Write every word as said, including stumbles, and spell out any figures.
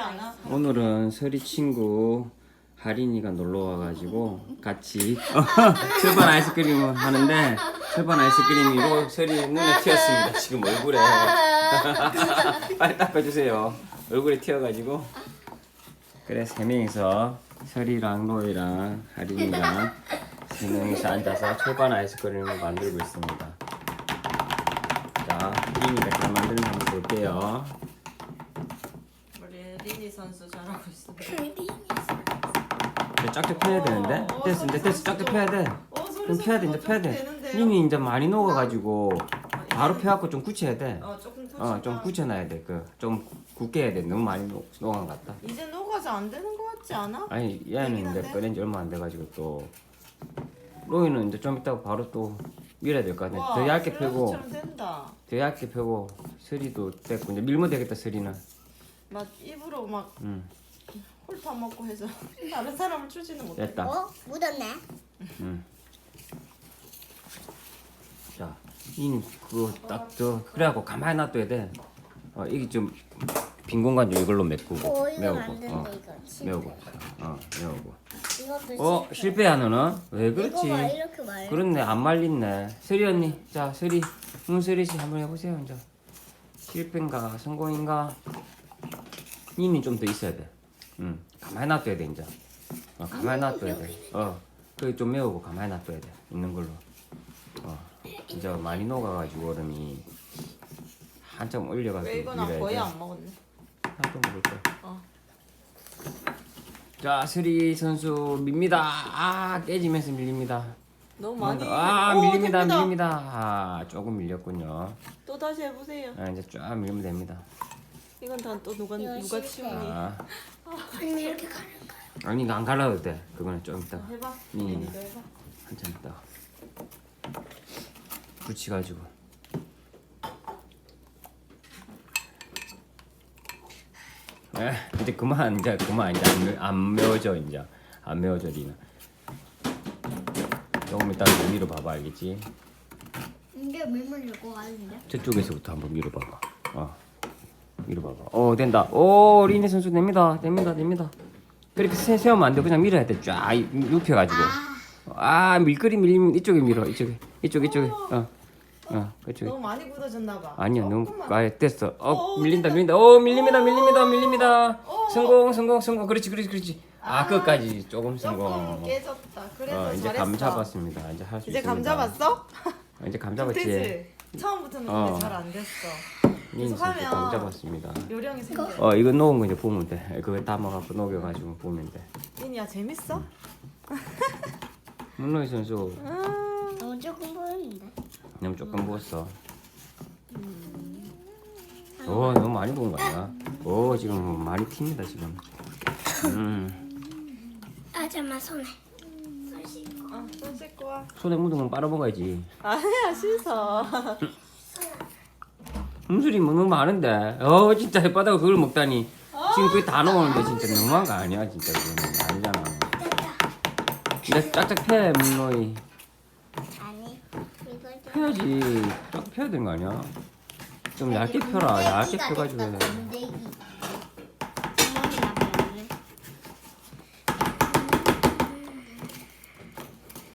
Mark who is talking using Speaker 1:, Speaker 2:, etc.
Speaker 1: 않아?
Speaker 2: 오늘은 설이 친구 하린이가 놀러 와가지고 같이 철판 아이스크림을 하는데 철판 아이스크림이로 설이 눈에 튀었습니다. 지금 얼굴에 빨리 닦아주세요. 얼굴에 튀어가지고 그래 세 명이서 설이랑 로이랑 하린이랑 세 명이서 앉아서 철판 아이스크림을 만들고 있습니다. 자, 하린이가 잘 만드는 거 한번 볼게요.
Speaker 1: 우리 리니 선수 잘하고 있어.
Speaker 2: 이제 짝짝 펴야 되는데?
Speaker 1: 어,
Speaker 2: 됐어, 이제 됐어, 짝짝 펴야 돼.
Speaker 1: 어, 소리
Speaker 2: 좀 펴야 돼, 이제
Speaker 1: 선수
Speaker 2: 펴야
Speaker 1: 좀
Speaker 2: 돼.
Speaker 1: 되는데요?
Speaker 2: 님이 이제 많이 녹아가지고 바로 펴갖고 좀 굳혀야 돼.
Speaker 1: 어, 조금 굳히면
Speaker 2: 어, 좀 굳혀놔야 돼. 그 좀 굳게 해야 돼. 너무 많이 녹, 녹은 것 같다.
Speaker 1: 이제 녹아서 안 되는 거 같지 않아?
Speaker 2: 아니, 얘는
Speaker 1: 되긴
Speaker 2: 이제
Speaker 1: 한데?
Speaker 2: 꺼낸 지 얼마 안 돼가지고 또 로이는 이제 좀 이따가 바로 또 밀어야 될 것 같네. 더 얇게 펴고,
Speaker 1: 처럼 된다.
Speaker 2: 더 얇게 펴고 서리도 됐고 이제 밀면 되겠다 서리는.
Speaker 1: 막 입으로 막
Speaker 2: 응,
Speaker 1: 홀타 먹고 해서 다른 사람을 추지는 못해.
Speaker 2: 됐다.
Speaker 3: 어? 묻었네.
Speaker 2: 응. 자, 이는 그거 딱 저 그래갖고 가만히 놔둬야 돼. 어, 이게 좀 빈 공간 좀 이걸로 메꾸고
Speaker 3: 어, 이거
Speaker 2: 메우고,
Speaker 3: 만드는데
Speaker 2: 어,
Speaker 3: 이거 실패.
Speaker 2: 메우고, 어, 메우고.
Speaker 3: 이것도
Speaker 2: 어,
Speaker 3: 실패.
Speaker 2: 실패야 너는? 왜
Speaker 3: 이거 봐
Speaker 2: 그렇지?
Speaker 3: 이렇게 말.
Speaker 2: 그렇네, 안 말린네. 서리 언니, 자, 서리, 응, 서리 씨 한번 해보세요, 이제. 실패인가, 성공인가? 이는 좀 더 있어야 돼. 응, 가만히 놔둬야 돼, 이제. 어, 가만히 놔둬야 돼. 어, 그게 좀 메우고 가만히 놔둬야 돼. 있는 걸로. 어, 이제 많이 녹아가지고 얼음이 한참 올려가지고
Speaker 1: 왜 이거 나
Speaker 2: 밀어야
Speaker 1: 거의
Speaker 2: 돼.
Speaker 1: 안 먹었네.
Speaker 2: 나도 먹을 거야.
Speaker 1: 어.
Speaker 2: 자, 서리 선수 밉니다. 아, 깨지면서 밀립니다.
Speaker 1: 너무 많이.
Speaker 2: 아,
Speaker 1: 오,
Speaker 2: 밀립니다,
Speaker 1: 됩니다.
Speaker 2: 밀립니다. 아, 조금 밀렸군요.
Speaker 1: 또 다시 해보세요.
Speaker 2: 아, 이제 쫙 밀면 됩니다.
Speaker 1: 이건 다 또 누가
Speaker 3: 이거
Speaker 1: 누가
Speaker 3: 실패.
Speaker 1: 치우니?
Speaker 2: 아,
Speaker 3: 아니면 이렇게 가는 거야.
Speaker 2: 아니, 이거 안 갈라도 돼. 그거는 좀 이따.
Speaker 1: 해봐.
Speaker 2: 음.
Speaker 1: 리니도 해봐.
Speaker 2: 한참 있다가. 붙여가지고. 에, 이제 그만, 이제 그만, 이제 안, 매- 안 매워져, 이제. 안 매워져, 리나. 조금 이따 위로 봐봐, 알겠지?
Speaker 3: 이게 밀물 줄거 같은데?
Speaker 2: 저쪽에서부터 한번 밀어봐봐. 어, 밀어봐봐. 어, 된다. 오, 리니 선수 됩니다, 됩니다, 됩니다. 그렇게 세, 세우면 안 돼. 그냥 밀어야 돼. 쫙 눕혀가지고. 아, 밀거리 밀리면 이쪽에 밀어. 이쪽에, 이쪽, 이쪽에. 어, 어, 그쪽에.
Speaker 1: 너무 많이 굳어졌나 봐.
Speaker 2: 아니야, 너무
Speaker 1: 조금만.
Speaker 2: 아예 됐어. 어,
Speaker 1: 어,
Speaker 2: 밀린다,
Speaker 1: 됐다.
Speaker 2: 밀린다. 어, 밀립니다, 밀립니다, 밀립니다.
Speaker 1: 어.
Speaker 2: 성공, 성공, 성공. 그렇지, 그렇지, 그렇지. 아, 끝까지 조금
Speaker 1: 조금
Speaker 2: 성공.
Speaker 1: 깨졌다. 그래서
Speaker 2: 어, 이제
Speaker 1: 잘했어.
Speaker 2: 감 잡았습니다. 이제 할 수 있습니다.
Speaker 1: 이제 감 잡았어?
Speaker 2: 어, 이제 감 잡았지.
Speaker 1: 되지? 처음부터는
Speaker 2: 어.
Speaker 1: 근데 잘 안 됐어.
Speaker 2: 린
Speaker 1: 계속
Speaker 2: 선수 감
Speaker 1: 하면
Speaker 2: 잡았습니다.
Speaker 1: 요령이 생겨.
Speaker 2: 어, 이거 녹은 거 이제 보면 돼. 그거 담아갖고 녹여가지고 보면 돼.
Speaker 1: 리니야 재밌어?
Speaker 2: 문로이 선수
Speaker 1: 음.
Speaker 3: 너무 조금 보였는데.
Speaker 2: 너무 조금 부었어. 오, 너무 많이 부은 거 아니야? 오, 지금 많이 튑니다 지금. 음,
Speaker 3: 아 잠만 손에.
Speaker 1: 어, 손 씻고 와.
Speaker 2: 손에 묻은 건 빨아먹어야지.
Speaker 1: 아니야 씻어.
Speaker 2: 음술이 뭐 너무 많은데. 어, 진짜 혓바닥을 그걸 먹다니. 지금 그게 다 나오는데 진짜 너무한 거 아니야? 진짜 그거는 아니잖아. 이제 짝짝 펴, 문로이.
Speaker 3: 아니 이걸 좀.
Speaker 2: 펴야지. 쫙 펴야 되는 거 아니야? 좀 얇게 펴라. 얇게 펴가지고 해.
Speaker 3: 건데기.